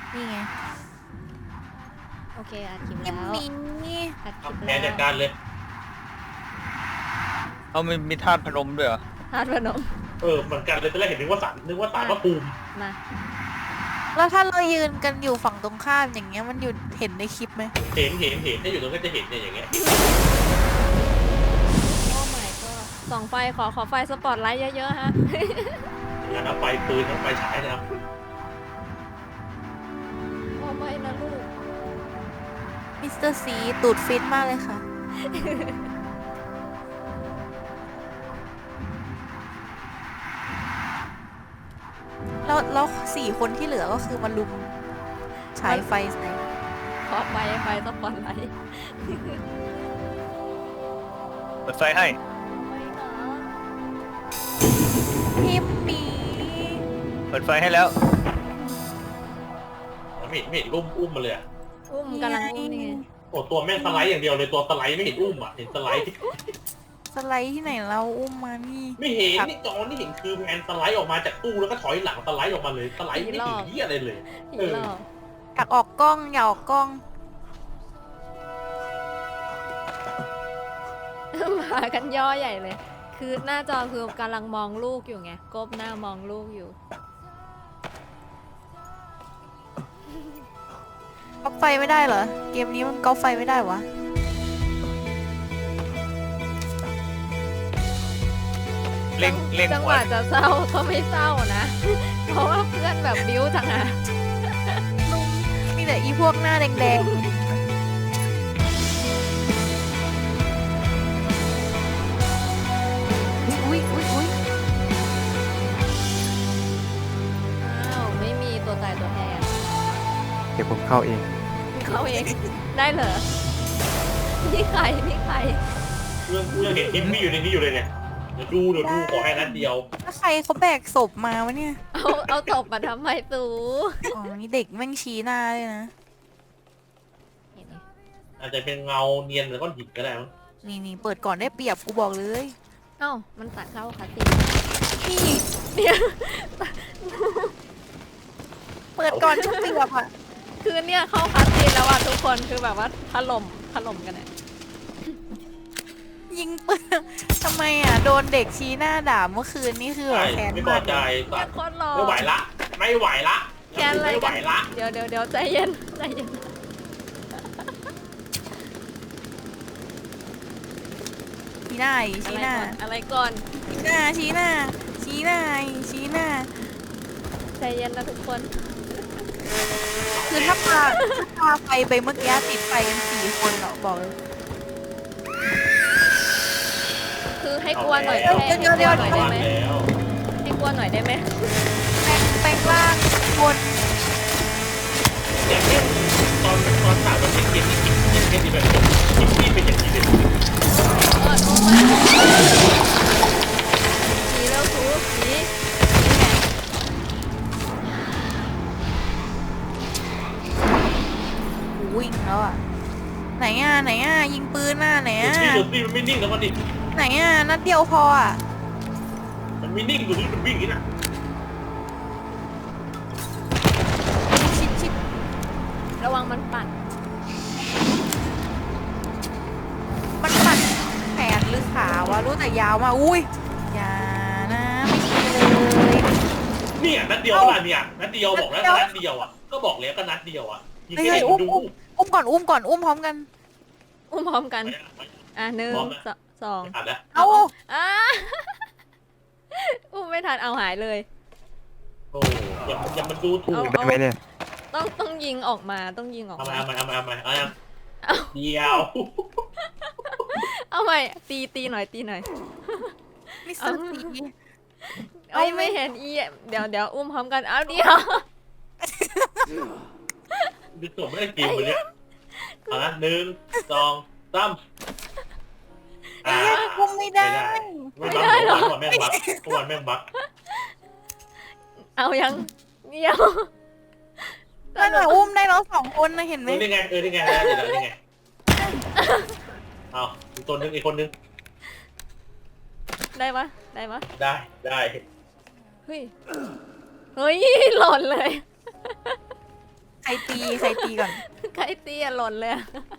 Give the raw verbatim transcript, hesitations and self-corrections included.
นี่ไงโอเคอัดคลิปคลิแล้ปวนี้อัดคลิปแผแล้นวจัดการเลยเอามีมีธาตุพนมด้วยเหรอฮาร์ดพนมเออเหมือนกันเลยตอนแรกเห็นนึกว่าสารนึกว่าสารพระภูมิมาแล้วถ้าเรายืนกันอยู่ฝั่งตรงข้ามอย่างเงี้ยมันอยู่เห็นในคลิปไหมเห็นเห็นเห็นถ้าอยู่ตรงนั้นก็จะเห็นเนี่ยอย่างเงี้ยโอ้ my god ส่องไฟขอขอไฟสปอตไลท์เยอะๆฮะงานเอาไฟปืนทั้งไฟฉายนะครับโอ้ไม่นะลูกมิสเตอร์ซีตูดฟิตมากเลยค่ะแล้วแล้วสี่คนที่เหลือก็คือมาลุมฉายไฟใส่ขอไฟไฟสปอตไลท์เปิดไฟให้ไม่นะพิมปีเปิดไฟให้แล้วไม่เห็นไม่เห็นอุ้มอุ้มมาเลยอะอุ้มกำลังอุ้มนี่ไงโอ้ตัวแม่งสไลด์อย่างเดียวเลยตัวสไลด์ไม่เห็นอุ้มอ่ะเห็นสไลด์สไลด์ที่ไหนเราอุ้มมานี่ไม่เห็นนี่จอนี่เห็นคือแมนสไลด์ออกมาจากตู้แล้วก็ถอยหลังสไลด์ออกมาเลยสไลด์ไม่ถึงเหี้ยอะไรเลยอีเอก อรอบอยากออกกล้องอยากออกกล้องมากันย่อใหญ่เลย คือหน้าจอคือกำลังมองลูกอยู่ไงก้มหน้ามองลูกอยู่ก๊อปไฟไม่ได้เหรอเกมนี้มันก๊อปไฟไม่ได้วะเร่งเร่งจังหหัววะจะเศร้าก็ไม่เศร้านะ เพราะว่าเพื่อนแบบบิ้วจังอะมีแต่อีพวกหน้าแดงๆอุ้ยอุ้ยอุ้ยอ้าวไม่มีตัวตายตัวแทนเดี๋ยวผมเข้าเองเขาเอง ได้เหรอ นี่ใครนี่ใครเรื่องเรื่องเห็นทิมมี่อยู่ในนี้อยู่เลยเนี่ยเดี๋ยวดูเดี๋ยวดูขอให้นัดเดียวแล้วใครเขาแบกศพมาวะเนี่ยเอาเอาตบมาทำไมตูอ๋อนี่เด็กแม่งชี้หน้าเลยนะเห็นไหมอาจจะเป็นเงาเนียนหรือก้อนหินก็ได้มั้งนี่นี่เปิดก่อนได้เปรียบกูบอกเลยเอ้ามันตัดเข้าคาสินี่เนี่ยเปิดก่อนจะเปรียบอ่ะคือเนี่ยเข้าคาสิแล้วอ่ะทุกคนคือแบบว่าถล่มถล่มกันเนี่ยยิงปืนทำไมอ่ะโดนเด็กชี้หน้าด่าเมื่อคืนนี่คือแบบใช่แค้นไม่พอมากใจแค่สัตว์โคตรหล่อไม่ไหวละ ไม่ไหวละแค่อะไรไม่ไหวกันละเดี๋ยวเดี๋ยวเดี๋ยวใจเย็นใจเย็นชี้หน้าอีกอะชี้ไรหน้าก่อนอะไรก่อนชี้หน้าชี้หน้าชี้หน้าชี้หน้าใจเย็นนะทุกคนคือถ้าพาถ้าพาไฟไปเมื่อกี้ติดไฟกันสี่คนเหรอบอกเลยคือให้กลัวหน่อยเอาแค่แล้วให้กลัวหน่อยได้ไหมแล้วให้กลัวหน่อยได้ไหมแปลงแปลงร่างคนอย่างเช่นตอนตอนสามมันเป็นเกมที่คิดอย่างเช่นที่แบบคิดที่เป็นอย่างนี้เลยเออโอ้มาสีแล้วสูสีวิ่งแล้วอ่ะไหนอ่ะไหนอ่ะยิงปืนน่ะไหนอ่ะนี่ดูสิมันไม่นิ่งแล้วมันดิไหนอ่ะนัดเดียวพออ่ะมันไม่นิ่งดูสิมันวิ่งอย่างนี้นะชิดชิดระวังมันปั่นมันปั่นแขนหรือขาวะรู้แต่ยาวมาอุ้ยอย่านะไม่ดีเลยเนี่ยนัดเดียวขนาดเนี่ยนัดเดียวบอกแล้วนัดเดียวอ่ะก็บอกแล้วก็นัดเดียวอ่ะยิงเฮ้ยแค่เฮ้ยเห็นอุ้มดูอุ้มอุ้มก่อนอุ้มก่อนอุ้มพร้อมกันอุ้มพร้อมกัน อ่ะหนึ่งพร้อมนะสสองอ่านแล้วเอาอ่ะ อุ้มไม่ทันเอาหายเลยโอ้ยังยังมันดูถูกได้ไหมเนี่ยต้องต้องยิงออกมาต้องยิงออกเอามามาเอามาเอามาเอามาเอายังเอาเดียวเอาใหม่ตีตีหน่อยตีหน่อยมิสเตอร์ซีเอ้ยเอาไม่ไม่เห็นอีเดี๋ยวเดี๋ยวอุ้มพร้อมกันเอาเดียวดูตัวไม่ได้เกมเลยเนี่ยเอาละหนึ่งสองสามไอ้เหี้ยคุมไม่ได้ไม่ได้หรอวันแม่งบักวันแม่งบักเอายังเดียวนั่นแหละอุ้มได้แล้วสองคนนะเห็นไหเอมอนี่ไงเออนี่ไงแล้วเดี๋ยวนี่ไงเอาอีกตัวนึงอีกคนนึงได้ปะได้ปะได้ได้เฮ้ยเฮ้ยหล่นเลยใครรตีใครตีก่อนใครตีอะหล่นเลยอะ